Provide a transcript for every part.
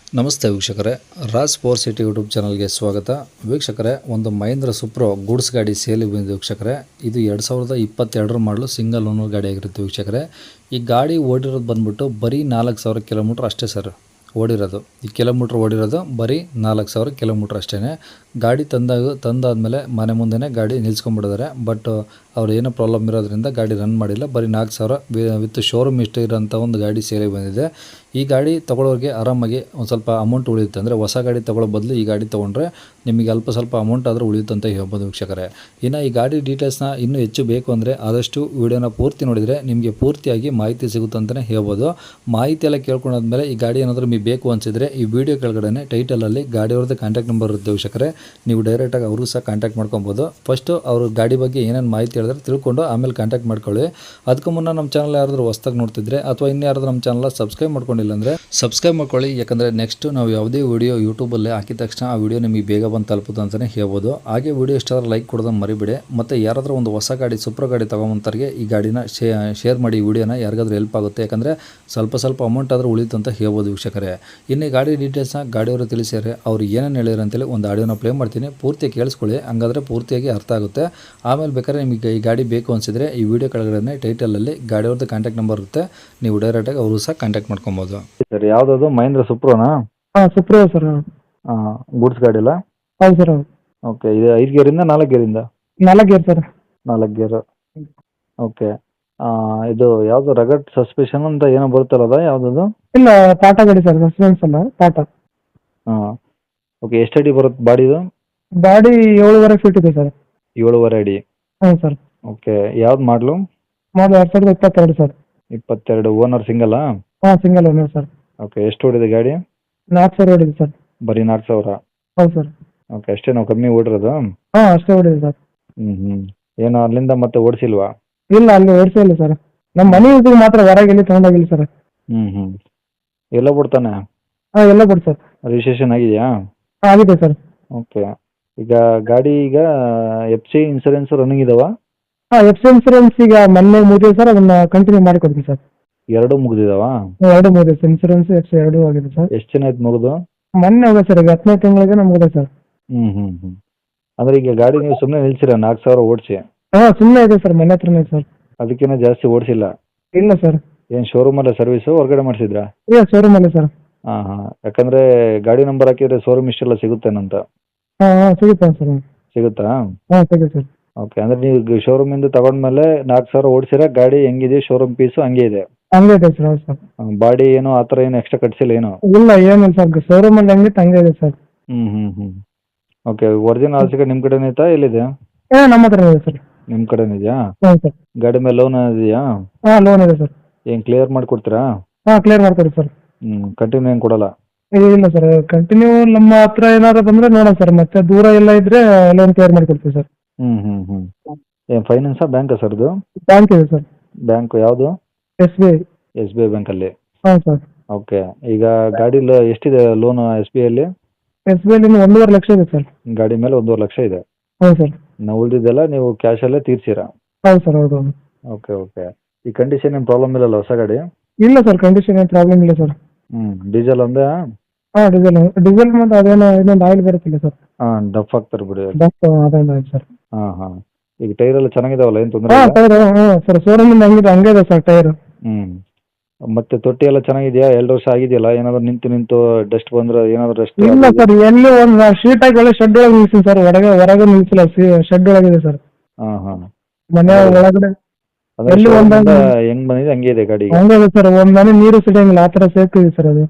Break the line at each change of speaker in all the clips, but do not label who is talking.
ನಮಸ್ತೆ ವೀಕ್ಷಕರೇ, Raj power city YouTube ಚಾನಲ್ಗೆ ಸ್ವಾಗತ. ವೀಕ್ಷಕರೇ, ಒಂದು ಮಹೇಂದ್ರ ಸುಪ್ರೋ ಗೂಡ್ಸ್ ಗಾಡಿ ಸೇಲಿಗೆ ಬಂದಿದೆ ವೀಕ್ಷಕರೇ. ಇದು 2022 ಮಾಡಲು ಸಿಂಗಲ್ ಓನರ್ ಗಾಡಿ ಆಗಿರುತ್ತೆ ವೀಕ್ಷಕರೇ. ಈ ಗಾಡಿ ಓಡಿರೋದು ಬಂದ್ಬಿಟ್ಟು ಬರೀ 4000 ಕಿಲೋಮೀಟ್ರ್ ಅಷ್ಟೇ ಸರ್ ಓಡಿರೋದು. ಈ ಕಿಲೋಮೀಟ್ರ್ ಓಡಿರೋದು ಬರೀ 4000 ಕಿಲೋಮೀಟ್ರ್ ಅಷ್ಟೇ. ಗಾಡಿ ತಂದಾದಮೇಲೆ ಮನೆ ಮುಂದೆನೇ ಗಾಡಿ ನಿಲ್ಸ್ಕೊಂಡ್ಬಿಟ್ಟಿದ್ದಾರೆ. ಬಟ್ ಅವ್ರು ಏನೋ ಪ್ರಾಬ್ಲಮ್ ಇರೋದ್ರಿಂದ ಗಾಡಿ ರನ್ ಮಾಡಿಲ್ಲ. ಬರೀ 4000 ವಿತ್ ಶೋರೂಮ್ ಇಷ್ಟು ಇರೋಂಥ ಒಂದು ಗಾಡಿ ಸೇಲಿಗೆ ಬಂದಿದೆ. ಈ ಗಾಡಿ ತೊಗೊಳೋರಿಗೆ ಆರಾಮಾಗಿ ಒಂದು ಸ್ವಲ್ಪ ಅಮೌಂಟ್ ಉಳಿಯುತ್ತೆ. ಅಂದರೆ ಹೊಸ ಗಾಡಿ ತೊಗೊಳ್ಳೋ ಬದಲು ಈ ಗಾಡಿ ತೊಗೊಂಡ್ರೆ ನಿಮಗೆ ಅಲ್ಪ ಸ್ವಲ್ಪ ಅಮೌಂಟ್ ಆದರೂ ಉಳಿಯುತ್ತೆ ಅಂತ ಹೇಳ್ಬೋದು ವೀಕ್ಷಕರೇ. ಇನ್ನು ಈ ಗಾಡಿ ಡೀಟೇಲ್ಸ್ನ ಇನ್ನೂ ಹೆಚ್ಚು ಬೇಕು ಅಂದರೆ ಆದಷ್ಟು ವಿಡಿಯೋನ ಪೂರ್ತಿ ನೋಡಿದರೆ ನಿಮಗೆ ಪೂರ್ತಿಯಾಗಿ ಮಾಹಿತಿ ಸಿಗುತ್ತೆ ಅಂತಲೇ ಹೇಳ್ಬೋದು. ಮಾಹಿತಿ ಎಲ್ಲ ಕೇಳ್ಕೊಂಡಾದ್ಮೇಲೆ ಈ ಗಾಡಿ ಏನಾದರೂ ನಿಮಗೆ ಬೇಕು ಅನಿಸಿದರೆ ಈ ವಿಡಿಯೋ ಕೆಳಗಡೆ ಟೈಟಲಲ್ಲಿ ಗಾಡಿಯವ್ರದ್ದು ಕಾಂಟ್ಯಾಕ್ಟ್ ನಂಬರ್ ಇರುತ್ತೆ ವೀಕ್ಷಕರೇ. ನೀವು ಡೈರೆಕ್ಟಾಗಿ ಅವರು ಸಹ ಕಾಂಟ್ಯಾಕ್ಟ್ ಮಾಡ್ಕೊಬೋದು. ಫಸ್ಟು ಅವರು ಗಾಡಿ ಬಗ್ಗೆ ಏನೇನು ಮಾಹಿತಿ ಹೇಳಿದ್ರೆ ತಿಳ್ಕೊಂಡು ಆಮೇಲೆ ಕಾಂಟ್ಯಾಕ್ಟ್ ಮಾಡ್ಕೊಳ್ಳಿ. ಅದಕ್ಕೂ ಮುನ್ನ ನಮ್ಮ ಚಾನಲ್ ಯಾರಾದರೂ ಹೊಸ್ದಾಗಿ ನೋಡ್ತಿದ್ರೆ ಅಥವಾ ಇನ್ಯಾರಾದರೂ ನಮ್ಮ ಚಾನಲ್ ಸಬ್ಸ್ಕ್ರೈಬ್ ಮಾಡ್ಕೊಂಡಿಲ್ಲ ಅಂದರೆ ಸಬ್ಸ್ಕ್ರೈಬ್ ಮಾಡ್ಕೊಳ್ಳಿ. ಯಾಕಂದರೆ ನೆಕ್ಸ್ಟ್ ನಾವು ಯಾವುದೇ ವಿಡಿಯೋ ಯೂಟ್ಯೂಬಲ್ಲಿ ಹಾಕಿದ ತಕ್ಷಣ ಆ ವಿಡಿಯೋ ನಿಮಗೆ ಬೇಗ ಬಂದು ತಲುಪುತ್ತೆ ಅಂತಲೇ ಹೇಳ್ಬೋದು. ಹಾಗೆ ವಿಡಿಯೋ ಇಷ್ಟಾದ್ರೆ ಲೈಕ್ ಕೊಡೋದನ್ನು ಮರಿಬೇಡಿ. ಮತ್ತು ಯಾರಾದರೂ ಒಂದು ಹೊಸ ಗಾಡಿ ಸುಪ್ರೋ ಗಾಡಿ ತೊಗೊಂಬಂತವ್ರಿಗೆ ಈ ಗಾಡಿನ ಶೇರ್ ಮಾಡಿ. ಈ ವಿಡಿಯೋನ ಯಾರಿಗಾದ್ರೂ ಹೆಲ್ಪ್ ಆಗುತ್ತೆ. ಯಾಕಂದರೆ ಸ್ವಲ್ಪ ಅಮೌಂಟ್ ಆದರೂ ಉಳಿತು ಅಂತ ಹೇಳ್ಬೋದು ವೀಕ್ಷಕರೇ. ಇನ್ನು ಈ ಗಾಡಿ ಡೀಟೇಲ್ಸ್ನ ಗಾಡಿಯವರು ತಿಳಿಸಿದರೆ ಅವ್ರು ಏನೇನು ಹೇಳಿದ್ರು ಅಂತೇಳಿ ಒಂದು ಆಡಿಯೋನ ಪ್ಲೇ ಮಾಡ್ತೀನಿ. ಪೂರ್ತಿ ಕೇಳಿಸ್ಕೊಳ್ಳಿ, ಹಂಗಾದರೆ ಪೂರ್ತಿಯಾಗಿ ಅರ್ಥ ಆಗುತ್ತೆ. ಆಮೇಲೆ ಬೇಕಾದ್ರೆ ನಿಮಗೆ ಈ ಗಾಡಿ ಬೇಕು ಅನಿಸಿದರೆ ಈ ವಿಡಿಯೋ ಕೆಳಗಡೆ ಟೈಟಲಲ್ಲಿ ಗಾಡಿಯವ್ರದ್ದು ಕಾಂಟ್ಯಾಕ್ಟ್ ನಂಬರ್ ಇರುತ್ತೆ. ನೀವು ಡೈರೆಕ್ಟಾಗಿ ಅವರು ಸಹ ಕಾಂಟ್ಯಾಕ್ಟ್ ಮಾಡ್ಕೊಬೋದು. ಸರ್, ಯಾವುದದು ಮಹೇಂದ್ರ ಸುಪ್ರೋನಾ?
ಹಾಂ, ಸುಪ್ರೋ ಸರ್.
ಗೂಡ್ಸ್ ಗಾಡಿ ಅಲ್ಲ?
ಹೌದು ಸರ್.
ಓಕೆ, ಇದು 5 ಗೇರಿಂದ 4 ಗೇರಿಂದ?
4 ಗೇರ್ ಸರ್.
4 ಗೇರು. ಓಕೆ. ಇದು ಯಾವುದು ರಗಡ್ ಸಸ್ಪೆಷನ್ ಅಂತ ಏನೋ ಬರುತ್ತಲ್ಲ, ಅದ ಯಾವುದದು?
ಇಲ್ಲ, ಟಾಟಾ ಗಾಡಿ ಸರ್, ಸಸ್ಪೆನ್ಸ್ ಅಲ್ಲ, ಟಾಟಾ.
ಹಾಂ. ಓಕೆ, ಎಷ್ಟು ಅಡಿ ಬರುತ್ತೆ ಬಾಡಿದು?
ಗಾಡಿ 7.5 ಫೀಟ್ ಇದೆ ಸರ್.
7.5 ಅಡಿ.
ಹ್ಞೂ ಸರ್.
ಓಕೆ, ಯಾವ್ದು ಮಾಡಲು?
Model 2022 sir.
22. ಓನರ್ ಸಿಂಗಲ್ಲಾ?
ಹಾಂ, ಸಿಂಗಲ್ ಓನರ್ ಸರ್.
ಓಕೆ, ಎಷ್ಟು ಓಡಿದೆ ಗಾಡಿ?
4,000 ಓಡಿದೆ ಸರ್.
ಬರೀ 4,000?
ಹೌದು ಸರ್.
ಓಕೆ, ಅಷ್ಟೇ ನಾವು ಕಮ್ಮಿ ಓಡಿರೋದು?
ಹಾಂ, ಅಷ್ಟೇ ಓಡಿದೆ ಸರ್.
ಏನು ಅಲ್ಲಿಂದ ಮತ್ತೆ ಓಡಿಸಿಲ್ವಾ?
ಇಲ್ಲ, ಅಲ್ಲಿ ಓಡಿಸೇ ಇಲ್ಲ ಸರ್. ನಮ್ಮ ಮನೆ ಯೂಸಿಗೆ ಮಾತ್ರ ಹೊರಗೆ ಎಲ್ಲಿ ತೊಗೊಂಡೋಗಿಲ್ಲ ಸರ್.
ಎಲ್ಲ ಬಿಡ್ತಾನೆ?
ಹಾಂ, ಎಲ್ಲ ಕೊಡಿ ಸರ್.
ರಿಜಿಸ್ಟ್ರೇಷನ್ ಆಗಿದೆಯಾ?
ಹಾಂ, ಆಗಿದೆ ಸರ್.
ಓಕೆ. ಈಗ ಗಾಡಿ FC ಇನ್ಸೂರೆನ್ಸ್ ರನ್ನಿಂಗ್ ಇದಾವ?
ಹಾಂ, ಎಫ್ ಸಿ ಇನ್ಸೂರೆನ್ಸ್ ಈಗ ಮೊನ್ನೆ ಮುಗಿದಿದೆ ಸರ್. ಅದನ್ನು ಕಂಟಿನ್ಯೂ ಮಾಡಿ ಕೊಡ್ತೀನಿ ಸರ್.
2 ಮುಗಿದಿದಾವ?
2 ಮುಗಿದಿದೆ. ಇನ್ಸೂರೆನ್ಸ್ ಎಫ್ ಸಿ 2 ಆಗಿದೆ ಸರ್.
ಎಷ್ಟು ಜನ ಆಯ್ತು ಮುಗಿದು?
ಮೊನ್ನೆ ಹೋಗಿದೆ ಸರ್. ಈಗ 10ನೇ ತಿಂಗಳಿಗೆ ಮುಗಿದೆ ಸರ್.
ಅಂದ್ರೆ ಈಗ ಗಾಡಿ ನೀವು ಸುಮ್ಮನೆ ನಿಲ್ಸಿರ 4,000 ಓಡಿಸಿ?
ಹಾಂ, ಸುಮ್ಮನೆ ಇದೆ ಸರ್, ಮನೆ ಹತ್ರನೇ ಸರ್.
ಅದಕ್ಕಿಂತ ಜಾಸ್ತಿ ಓಡಿಸಿಲ್ಲ?
ಇಲ್ಲ ಸರ್.
ಏನು ಶೋರೂಮಲ್ಲೇ ಸರ್ವಿಸು ಹೊರಗಡೆ ಮಾಡಿಸಿದ್ರಾ?
ಇಲ್ಲ, ಶೋರೂಮಲ್ಲಿ ಸರ್.
ಹಾಂ. ಯಾಕಂದ್ರೆ ಗಾಡಿ ನಂಬರ್ ಹಾಕಿದ್ರೆ ಶೋರೂಮ್ ಇಷ್ಟೆಲ್ಲ ಸಿಗುತ್ತೇನಂತ.
ಹಾಂ, ಸಿಗುತ್ತೆ ಸರ್.
ಸಿಗುತ್ತಾ?
ಹಾಂ, ಸಿಗುತ್ತೆ ಸರ್.
ಓಕೆ, ಅಂದ್ರೆ ನೀವು ಶೋರೂಮಿಂದ ತಗೊಂಡ್ಮೇಲೆ 4,000 ಓಡಿಸಿರ, ಗಾಡಿ ಹೆಂಗಿದೆ ಶೋರೂಮ್ ಪೀಸು ಹಂಗೆ ಇದೆ?
ಹಂಗೆ ಇದೆ ಸರ್. ಹೌದು ಸರ್.
ಬಾಡಿ ಏನು ಆ ಥರ ಏನು ಎಕ್ಸ್ಟ್ರಾ ಕಟ್ಸಿಲ್ಲ ಏನು?
ಇಲ್ಲ, ಏನಿಲ್ಲ ಸರ್. ಶೋರೂಮಲ್ಲಿ ಹೆಂಗಿತ್ತು ಹಂಗೆ ಇದೆ sir.
Okay, original RC card ನಿಮ್ಮ ಕಡೆನೇ ಐತಾ, ಎಲ್ಲಿದೆ?
ನಮ್ಮ ಹತ್ರ ಇದೆ ಸರ್.
ನಿಮ್ಮ ಕಡೆನೇ ಇದೆಯಾ?
ಹ್ಞೂ ಸರ್.
ಗಾಡಿ ಮೇಲೆ ಲೋನ್ ಇದೆಯಾ?
ಹಾಂ, ಲೋನ್ ಇದೆ ಸರ್.
ಏನು ಕ್ಲಿಯರ್ ಮಾಡಿಕೊಡ್ತೀರಾ?
ಹಾಂ, ಕ್ಲಿಯರ್ ಮಾಡ್ಕೊಡಿ ಸರ್.
ಕಂಟಿನ್ಯೂ ಏನು ಕೊಡಲ್ಲ?
ಇಲ್ಲ ಸರ್, ಕಂಟಿನ್ಯೂ ನಮ್ಮ ಹತ್ರ ಏನಾದ್ರು ಬಂದರೆ ನೋಡೋಣ ಸರ್. ಮತ್ತೆ ದೂರ ಎಲ್ಲ ಇದ್ದರೆ ಲೋನ್ ಕ್ಲಿಯರ್ ಮಾಡಿಕೊಡ್ತೀವಿ ಸರ್.
ಏನು ಫೈನಾನ್ಸಾ ಬ್ಯಾಂಕಾ ಸರ್ ಇದು?
ಬ್ಯಾಂಕ್ ಇದೆ ಸರ್.
ಬ್ಯಾಂಕು ಯಾವುದು?
SBI.
SBI ಬ್ಯಾಂಕಲ್ಲಿ?
ಹಾಂ ಸರ್.
ಓಕೆ. ಈಗ ಗಾಡಿ ಎಷ್ಟಿದೆ ಲೋನು SBIಯಲ್ಲಿ?
SBI ಲಿ 1.5 ಲಕ್ಷ ಇದೆ ಸರ್.
ಗಾಡಿ ಮೇಲೆ 1.5 ಲಕ್ಷ ಇದೆ?
ಹೌದು ಸರ್.
ನಾವು ಉಳಿದಿದ್ದೆಲ್ಲ ನೀವು ಕ್ಯಾಶಲ್ಲೇ ತೀರ್ಸಿರಾ?
ಹೌದು ಸರ್. ಹೌದು.
ಓಕೆ. ಈ ಕಂಡೀಷನ್ ಏನು ಪ್ರಾಬ್ಲಮ್ ಇಲ್ಲಲ್ಲ ಹೊಸ ಗಾಡಿ?
ಇಲ್ಲ ಸರ್, ಕಂಡೀಷನ್ ಏನು ಪ್ರಾಬ್ಲಮ್ ಇಲ್ಲ ಸರ್.
ಡೀಸೆಲ್ ಒಂದೇ?
ಹಾಂ, ಡೀಸೆಲ್ ಮತ್ತು ಅದೇನೋ ಇನ್ನೊಂದು ಆಯಿಲ್ ಬರುತ್ತಿಲ್ಲ ಸರ್.
ಡಫ್ ಆಗ್ತಾರೆ ಬಿಡಿ.
ಅದೊಂದು ಆಯಿಲ್ ಸರ್.
ಹಾಂ. ಈಗ ಟೈರ್ ಎಲ್ಲ ಚೆನ್ನಾಗಿದಾವಲ್ಲ, ಏನು ತೊಂದರೆ
ಹಾಂ,
ಇಲ್ಲ?
ಟೈರ್ ಸರ್ ಶೋರೂಮಿಂದ ಹಂಗೆ ಇದೆ ಸರ್ ಟೈರ್.
ಮತ್ತೆ ತೊಟ್ಟಿ ಎಲ್ಲ ಚೆನ್ನಾಗಿದೆಯಾ? 2 ವರ್ಷ ಆಗಿದೆಯಲ್ಲ, ಏನಾದ್ರು ನಿಂತು ಡಸ್ಟ್ ಬಂದ್ರೆ ಏನಾದ್ರು ಡಸ್ಟ್?
ಇಲ್ಲ ಸರ್, ಎಲ್ಲಿ ಒಂದು ಶೀಟ್ ಹಾಕಿ ಒಳ್ಳೆ ಶೆಡ್ ಒಳಗೆ ನಿಲ್ಸಿ ಸರ್. ಹೊರಗೆ ನಿಲ್ಸಿಲ್ಲ, ಶೆಡ್ ಒಳಗಿದೆ ಸರ್.
ಹಾಂ.
ಮನೆ ಒಳಗಡೆ
ಎಲ್ಲಿ ಹೆಂಗ್ ಬಂದಿದೆ ಹಂಗೆ ಇದೆ ಗಾಡಿ?
ಹಂಗೆ ಇದೆ ಸರ್. ಒಂದು ಮನೆ ನೀರು ಸಿಡಂಗಿಲ್ಲ, ಆ ಥರ ಸೇಫ್ಟಿ ಇದೆ ಸರ್ ಅದು.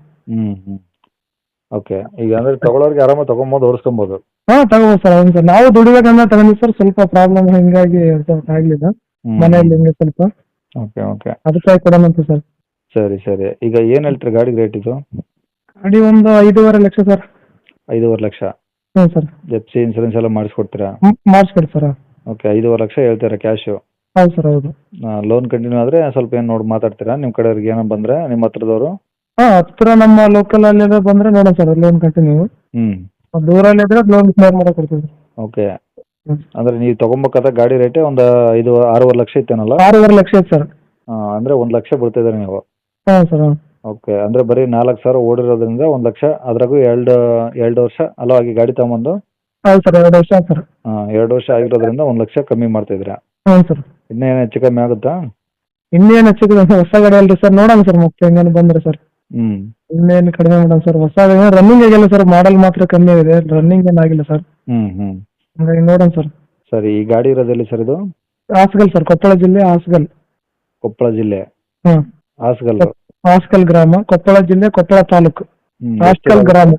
ಓಕೆ. ಈಗ ಅಂದ್ರೆ ತಗೊಳ್ಳೋರಿಗೆ ಆರಾಮಾಗಿ ತಗೊಬೋದು, ಓಡಿಸ್ಕೊಬೋದು?
ಹಾಂ, ತಗೋಬೋದು ಸರ್. ಹೌದು ಸರ್, ನಾವು ದುಡಿಬೇಕಂದ್ರೆ ತಗೊಂಡಿವಿ ಸರ್. ಸ್ವಲ್ಪ ಪ್ರಾಬ್ಲಮ್ ಹಿಂಗಾಗಿ ಆಗಲಿಲ್ಲ ಮನೆಯಲ್ಲಿ, ಹಿಂಗೆ ಸ್ವಲ್ಪ.
ಓಕೆ.
ಅದಕ್ಕಾಗಿ ಕೊಡೋಣಂತ ಸರ್.
ಸರಿ. ಈಗ ಏನು ಹೇಳ್ತೀರಿ ಗಾಡಿ ರೇಟ್ ಇದು?
ಗಾಡಿ ಒಂದು 5.5 ಲಕ್ಷ ಸರ್.
5.5 ಲಕ್ಷ?
ಹ್ಞೂ ಸರ್.
FC ಇನ್ಸೂರೆನ್ಸ್ ಎಲ್ಲ ಮಾಡಿಸ್ಕೊಡ್ತೀರಾ?
ಮಾಡಿಸ್ಕೊಡಿ ಸರ್.
ಓಕೆ. 5.5 ಲಕ್ಷ ಹೇಳ್ತೀರಾ ಕ್ಯಾಶು?
ಹೌದು ಸರ್. ಹೌದು.
ಲೋನ್ ಕಂಟಿನ್ಯೂ ಆದರೆ ಸ್ವಲ್ಪ ಏನು ನೋಡಿ ಮಾತಾಡ್ತೀರಾ ನಿಮ್ಮ ಕಡೆಯವ್ರಿಗೆ ಏನೋ ಬಂದರೆ, ನಿಮ್ಮ ಹತ್ರದವರು?
ಹಾಂ, ಹತ್ತಿರ ನಮ್ಮ ಲೋಕಲ್ ಅಲ್ಲಿ ಬಂದರೆ ನೋಡೋಣ ಸರ್ ಲೋನ್ ಕಂಟಿನ್ಯೂ. ದೂರಲ್ಲಿ ಇದ್ರೆ ಲೋನ್ ಕ್ಲಿಯರ್ ಮಾಡಕ್ಕೆ ಕೊಡ್ತೀವಿ.
ಓಕೆ. ಅಂದರೆ ನೀವು ತೊಗೊಬೇಕಾದ ಗಾಡಿ ರೇಟೇ ಒಂದು 6.5 ಲಕ್ಷ ಇತ್ತೇನಲ್ಲ?
6.5 ಲಕ್ಷ ಇತ್ತು ಸರ್.
ಅಂದರೆ 1 ಲಕ್ಷ ಬಿಡ್ತಿದ್ದಾರೆ ನೀವು?
ಹಾಂ ಸರ್.
ಓಕೆ, ಅಂದರೆ ಬರೀ 4,000 ಓಡಿರೋದ್ರಿಂದ 1,00,000, ಅದ್ರಾಗೂ ಎರಡು ವರ್ಷ ಅಲವಾಗಿ ಗಾಡಿ ತೊಗೊಂಬಂದು
ಹೌದು ಸರ್ 2 ವರ್ಷ ಆಯ್ತು ಸರ್.
2 ವರ್ಷ ಆಗಿರೋದ್ರಿಂದ 1,00,000 ಕಮ್ಮಿ ಮಾಡ್ತಿದ್ದೀರಾ.
ಹ್ಞೂ ಸರ್.
ಇನ್ನೇನು ಹೆಚ್ಚು ಕಮ್ಮಿ ಆಗುತ್ತಾ?
ಇನ್ನೇನು ಹೆಚ್ಚಿಗೆ ಹೊಸ ಗಾಡಿ ಅಲ್ರಿ ಸರ್, ನೋಡೋಣ ಸರ್ ಮತ್ತೆ ಹೆಂಗೇನು ಬಂದ್ರೆ ಸರ್.
ಹ್ಞೂ
ಇನ್ನೇನು ಕಡಿಮೆ ಮಾಡೋಣ ಸರ್. ಹೊಸ ರನ್ನಿಂಗ್ ಆಗಿಲ್ಲ ಸರ್, ಮಾಡಲ್ ಮಾತ್ರ ಕಮ್ಮಿ ಆಗಿದೆ, ರನ್ನಿಂಗ್ ಏನಾಗಿಲ್ಲ ಸರ್.
ಹ್ಞೂ
ಹಂಗಾಗಿ ನೋಡೋಣ ಸರ್.
ಸರಿ, ಈ ಗಾಡಿ ಇರೋದೆಲ್ಲಿ ಸರ್ ಇದು?
ಹಾಸಗಲ್ ಸರ್, ಕೊಪ್ಪಳ ಜಿಲ್ಲೆ ಹಾಸಗಲ್.
ಕೊಪ್ಪಳ ಜಿಲ್ಲೆ
ಹ್ಞೂ,
ಹಾಸಗಲ್.
ಹಾಸಗಲ್ ಗ್ರಾಮ, ಕೊಪ್ಪಳ ಜಿಲ್ಲೆ, ಕೊಪ್ಪಳ ತಾಲೂಕು, ಹಾಸಗಲ್ ಗ್ರಾಮ.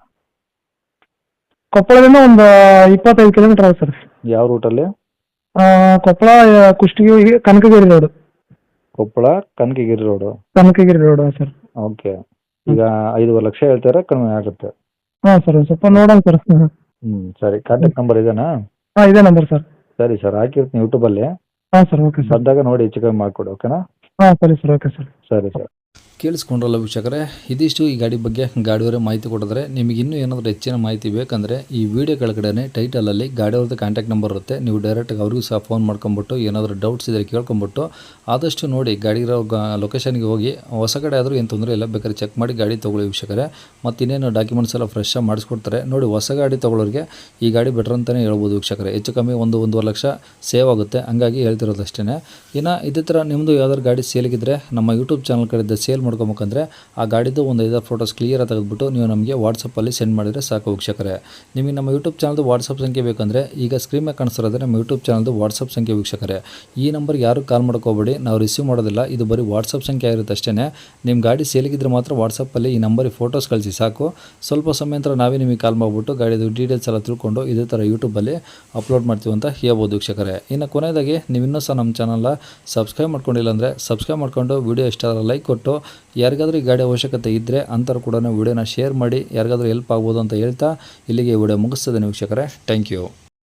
ಕೊಪ್ಪಳದಿಂದ ಒಂದು 25 ಕಿಲೋಮೀಟರ್ ಆಗುತ್ತೆ ಸರ್.
ಯಾವ ರೂಟಲ್ಲಿ?
Koppal Kushtagi Kanakagiri road.
Koppal Kanakagiri road.
Kanakagiri road sir.
Okay, ಈಗ 5,500,000 ಲಕ್ಷ ಹೇಳ್ತಾರೆ, ಕಡಿಮೆ ಆಗುತ್ತೆ.
ಹಾಂ ಸರ್, ಸ್ವಲ್ಪ ನೋಡೋಣ ಸರ್.
ಸರಿ, ಕಾಂಟ್ಯಾಕ್ಟ್ ನಂಬರ್ ಇದೇನಾ?
ಹಾಂ, ಇದೇ ನಂಬರ್ ಸರ್.
ಸರಿ ಸರ್, ಹಾಕಿರ್ತೀನಿ ಯೂಟ್ಯೂಬಲ್ಲಿ.
ಹಾಂ ಸರ್, ಓಕೆ ಸರ್.
ಬಂದಾಗ ನೋಡಿ ಹೆಚ್ಚು ಕಮ್ಮಿ ಮಾಡಿಕೊಡಿ, ಓಕೆನಾ?
ಹಾಂ ಸರಿ ಸರ್, ಓಕೆ ಸರ್.
ಸರಿ ಸರ್.
ಕೇಳಿಸ್ಕೊಂಡ್ರಲ್ಲ ವೀಕ್ಷಕರೇ, ಇದಿಷ್ಟು ಈ ಗಾಡಿ ಬಗ್ಗೆ ಗಾಡಿಯವರೇ ಮಾಹಿತಿ ಕೊಟ್ಟಿದ್ರೆ. ನಿಮಗೆ ಇನ್ನೂ ಏನಾದರೂ ಹೆಚ್ಚಿನ ಮಾಹಿತಿ ಬೇಕಂದರೆ ಈ ವಿಡಿಯೋ ಕೆಳಗಡೆ ಟೈಟಲಲ್ಲಿ ಗಾಡಿಯವ್ರದ್ದು ಕಾಂಟ್ಯಾಕ್ಟ್ ನಂಬರ್ ಇರುತ್ತೆ. ನೀವು ಡೈರೆಕ್ಟಾಗಿ ಅವ್ರಿಗೂ ಸಹ ಫೋನ್ ಮಾಡ್ಕೊಂಬಿಟ್ಟು ಏನಾದರೂ ಡೌಟ್ಸ್ ಇದ್ದರೆ ಕೇಳ್ಕೊಂಬಿಟ್ಟು ಆದಷ್ಟು ನೋಡಿ ಗಾಡಿ ಇರೋ ಲೊಕೇಶನ್ಗೆ ಹೋಗಿ. ಹೊಸ ಗಾಡಿ ಆದರೂ ಏನು ತೊಂದರೆ ಇಲ್ಲ, ಬೇಕಾದ್ರೆ ಚೆಕ್ ಮಾಡಿ ಗಾಡಿ ತೊಗೊಳ್ಳಿ ವೀಕ್ಷಕರೇ. ಮತ್ತು ಇನ್ನೇನು ಡಾಕ್ಯುಮೆಂಟ್ಸ್ ಎಲ್ಲ ಫ್ರೆಶ್ ಆಗಿ ಮಾಡಿಸ್ಕೊಡ್ತಾರೆ ನೋಡಿ. ಹೊಸ ಗಾಡಿ ತೊಗೊಳ್ಳೋರಿಗೆ ಈ ಗಾಡಿ ಬೆಟರ್ ಅಂತಲೇ ಹೇಳ್ಬೋದು ವೀಕ್ಷಕರೇ. ಹೆಚ್ಚು ಕಮ್ಮಿ 1-1.5 ಲಕ್ಷ ಸೇವ್ ಆಗುತ್ತೆ, ಹಂಗಾಗಿ ಹೇಳ್ತಿರೋದು ಅಷ್ಟೇ. ಇನ್ನು ಇದೇ ಥರ ನಿಮ್ಮದು ಯಾವ್ದಾದ್ರು ಗಾಡಿ ಸೇಲಿಗಿದ್ರೆ ನಮ್ಮ ಯೂಟ್ಯೂಬ್ ಚಾನಲ್ ಕಡೆಯಿಂದ ಸೇಲ್ ಮಾಡ್ಕೊಬೇಕಂದ್ರೆ ಆ ಗಾಡಿದು ಒಂದು 5 ಫೋಟೋಸ್ ಕ್ಲಿಯರ್ ತೆಗೆದುಬಿಟ್ಟು ನೀವು ನಮಗೆ ವಾಟ್ಸಪ್ಪಲ್ಲಿ ಸೆಂಡ್ ಮಾಡಿದರೆ ಸಾಕು ವೀಕ್ಷಕರೇ. ನಿಮಗೆ ನಮ್ಮ ಯೂಟ್ಯೂಬ್ ಚಾನಲ್ದು ವಾಟ್ಸಪ್ ಸಂಖ್ಯೆ ಬೇಕಂದರೆ ಈಗ ಸ್ಕ್ರೀನ್ ಮೇಲೆ ಕಾಣಿಸ್ತಿರೋದ್ರೆ ನಮ್ಮ ಯೂಟ್ಯೂಬ್ ಚಾನಲ್ದು ವಾಟ್ಸಪ್ ಸಂಖ್ಯೆ ವೀಕ್ಷಕರೇ. ಈ ನಂಬರ್ಗೆ ಯಾರು ಕಾಲ್ ಮಾಡ್ಕೋಬೇಡಿ, ನಾವು ರಿಸೀವ್ ಮಾಡೋದಿಲ್ಲ. ಇದು ಬರೀ ವಾಟ್ಸಪ್ ಸಂಖ್ಯೆ ಆಗಿರುತ್ತೆ ಅಷ್ಟೇ. ನಿಮ್ಮ ಗಾಡಿ ಸೇಲಿಗಿದ್ರೆ ಮಾತ್ರ ವಾಟ್ಸಪ್ಪಲ್ಲಿ ಈ ನಂಬರಿಗೆ ಫೋಟೋಸ್ ಕಳಿಸಿ ಸಾಕು. ಸ್ವಲ್ಪ ಸಮಯ ನಂತರ ನಾವೇ ನಿಮಗೆ ಕಾಲ್ ಮಾಡಿಬಿಟ್ಟು ಗಾಡಿದು ಡೀಟೇಲ್ಸ್ ಎಲ್ಲ ತಿಳ್ಕೊಂಡು ಇದೇ ಥರ ಯೂಟ್ಯೂಬಲ್ಲಿ ಅಪ್ಲೋಡ್ ಮಾಡ್ತೀವಿ ಅಂತ ಹೇಳ್ಬೋದು ವೀಕ್ಷಕರೇ. ಇನ್ನು ಕೊನೆಯದಾಗಿ ನೀವು ಇನ್ನೂ ಸಹ ನಮ್ಮ ಚಾನಲ್ನ ಸಬ್ಸ್ಕ್ರೈಬ್ ಮಾಡ್ಕೊಂಡಿಲ್ಲ ಅಂದರೆ ಸಬ್ಸ್ಕ್ರೈಬ್ ಮಾಡ್ಕೊಂಡು ವಿಡಿಯೋ ಇಷ್ಟ ಆದರೆ ಲೈಕ್ ಕೊಟ್ಟು, ಯಾರಿಗಾದ್ರೂ ಈ ಗಾಡಿ ಅವಶ್ಯಕತೆ ಇದ್ದರೆ ಅಂಥವ್ರು ಕೂಡ ವಿಡಿಯೋನ ಶೇರ್ ಮಾಡಿ, ಯಾರಿಗಾದ್ರೂ ಹೆಲ್ಪ್ ಆಗ್ಬೋದು ಅಂತ ಹೇಳ್ತಾ ಇಲ್ಲಿಗೆ ವಿಡಿಯೋ ಮುಗಿಸ್ತದೆ ವೀಕ್ಷಕರೇ. Thank you.